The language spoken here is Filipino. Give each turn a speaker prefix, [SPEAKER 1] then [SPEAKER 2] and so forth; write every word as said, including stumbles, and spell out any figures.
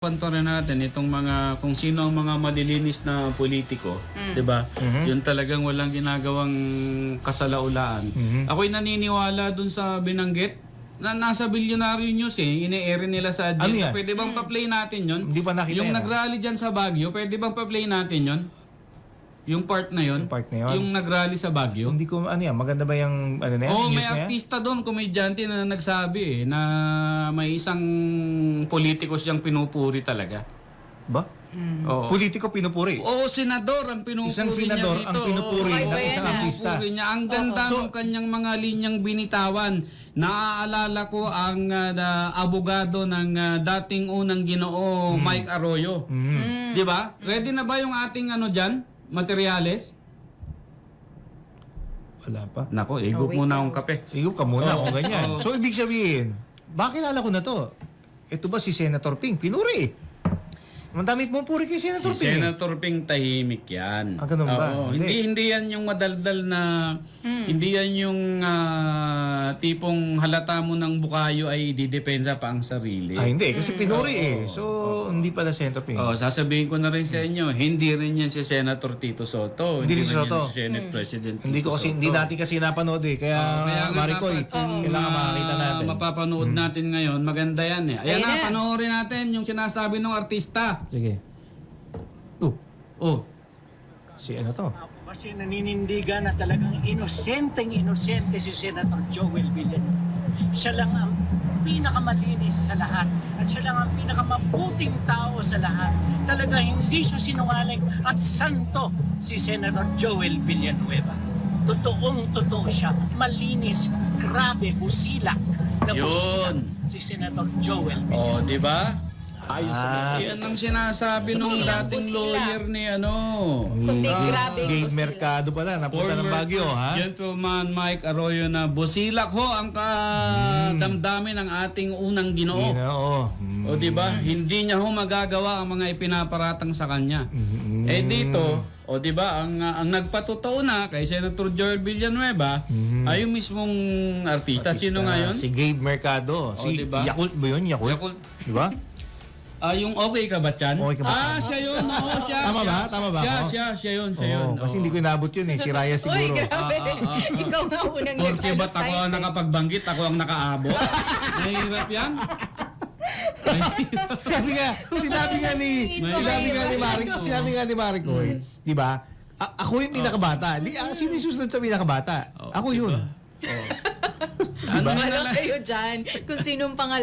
[SPEAKER 1] Panto rin natin itong mga kung sino ang mga malilinis na politiko, mm. 'di ba? Mm-hmm. Yun talagang walang ginagawang kasalaulaan. Mm-hmm. Ako'y naniniwala dun sa binanggit na nasa Billionaire News eh, ine-air nila sa agenda. Ano pwede bang mm. pa-play natin 'yon?
[SPEAKER 2] Hindi pa nakita.
[SPEAKER 1] Yung nag-rally diyan sa Baguio, pwede bang pa-play natin 'yon? Yung part na 'yon?
[SPEAKER 2] Yung part na 'yon.
[SPEAKER 1] Yung nag-rally sa Baguio.
[SPEAKER 2] Hindi ko ano yan, maganda ba yung ano na yan?
[SPEAKER 1] Oh,
[SPEAKER 2] news
[SPEAKER 1] may artista doon, komedyante na nagsabi eh, na may isang politiko siyang pinupuri talaga.
[SPEAKER 2] Ba?
[SPEAKER 1] Mm. Oo.
[SPEAKER 2] Politiko pinupuri?
[SPEAKER 1] Oo, senador ang pinupuri
[SPEAKER 2] isang senador
[SPEAKER 1] niya dito.
[SPEAKER 2] ang pinupuri
[SPEAKER 1] Oo,
[SPEAKER 2] ng isang artista.
[SPEAKER 1] Niya. Ang ganda
[SPEAKER 2] so,
[SPEAKER 1] ng kanyang mga linyang binitawan. Naaalala ko ang uh, abogado ng uh, dating unang Ginoo, mm. Mike Arroyo. Mm. Di ba? Ready na ba yung ating ano dyan? Materyales?
[SPEAKER 2] Wala pa.
[SPEAKER 1] Nako, igup oh, muna akong kape.
[SPEAKER 2] Igup ka muna kung ganyan. So, ibig sabihin, bakit kilala ko na to? Ito ba si Senator Ping? Pinuri eh. Ang dami pong puri kay Senator
[SPEAKER 1] si
[SPEAKER 2] Ping. Si
[SPEAKER 1] Senator Ping tahimik yan.
[SPEAKER 2] Ah, ganun ba?
[SPEAKER 1] Oo, hindi. hindi yan yung madaldal na, mm. hindi yan yung uh, tipong halata mo ng bukayo ay didepensa pa ang sarili.
[SPEAKER 2] Ah, hindi. Kasi pinuri
[SPEAKER 1] mm.
[SPEAKER 2] eh. So, oh, hindi pala Senator Ping.
[SPEAKER 1] Oh, sasabihin ko na rin sa inyo, hindi rin yan si Senator Tito Soto.
[SPEAKER 2] Hindi, hindi rin si Soto.
[SPEAKER 1] Yan si Senate mm. President Tito
[SPEAKER 2] Hindi ko kasi,
[SPEAKER 1] Soto.
[SPEAKER 2] hindi natin kasi napanood eh. Kaya, oh, kaya Maricoy, oh, kailangan makakita natin.
[SPEAKER 1] Mapapanood hmm. natin ngayon, maganda yan eh. Ayan, Ayan na, panoorin natin yung sinasabi ng artista.
[SPEAKER 2] Sige.
[SPEAKER 1] Oh. Oh.
[SPEAKER 2] Si ano to?
[SPEAKER 3] Ako kasi naninindigan na talagang inosenteng inosente si Senator Joel Villanueva. Siya lang ang pinakamalinis sa lahat at siya lang ang pinakamabuting tao sa lahat. Talaga hindi siya sinungaling at santo si Senator Joel Villanueva. Totoong totoo siya, malinis, grabe, busilak na busilak si Senator Joel Villanueva.
[SPEAKER 1] Oh, di ba?
[SPEAKER 2] Ah,
[SPEAKER 1] yan ang sinasabi nung dating lawyer ni ano.
[SPEAKER 4] Kundi grabe.
[SPEAKER 2] Gabe Mercado pala, napunta ng Baguio, ha?
[SPEAKER 1] Gentleman Mike Arroyo na busilak ho ang kadamdamin ng ating unang Ginoo.
[SPEAKER 2] Ginoo. Mm.
[SPEAKER 1] O di ba? Hindi niya ho magagawa ang mga ipinaparatang sa kanya. Mm-hmm. Eh dito, o di ba, ang ang nagpatotoo na kay Senator Joel Villanueva mm-hmm. ay yung mismong artista. artista. Sino ngayon?
[SPEAKER 2] Si Gabe Mercado.
[SPEAKER 1] O,
[SPEAKER 2] si
[SPEAKER 1] diba?
[SPEAKER 2] Yakult ba yun? Yakult?
[SPEAKER 1] Yakult.
[SPEAKER 2] Di ba?
[SPEAKER 1] Ah, yung okay ka ba, Chan?
[SPEAKER 2] Okay ka ba, Chan?
[SPEAKER 1] Ah, siya yun. Oo, siya.
[SPEAKER 2] Tama
[SPEAKER 1] siya,
[SPEAKER 2] ba? Tama ba?
[SPEAKER 1] Siya,
[SPEAKER 2] Oh.
[SPEAKER 1] siya, siya yun, siya
[SPEAKER 2] Oo,
[SPEAKER 1] yun.
[SPEAKER 2] kasi
[SPEAKER 1] Oo.
[SPEAKER 2] hindi ko inabot yun eh. Si Raya siguro.
[SPEAKER 4] Uy, grabe.
[SPEAKER 1] Ah, ah, ah, ah.
[SPEAKER 4] Ikaw nga unang
[SPEAKER 1] Porque ba't ako ang
[SPEAKER 4] nag-cite.
[SPEAKER 1] nakapagbanggit, ako ang nakaabot? Nahihirap yan?
[SPEAKER 2] Sabi nga, sinabi nga ni, sinabi nga ni Marik, sinabi nga ni Maricoy, di ba? A- ako yung pinakabata. Di, ah, sino yung susunod sa pinakabata?
[SPEAKER 1] Oh,
[SPEAKER 2] ako
[SPEAKER 1] diba?
[SPEAKER 2] yun.
[SPEAKER 1] Oh.
[SPEAKER 4] Ano kayo dyan? Kung sinong pangalan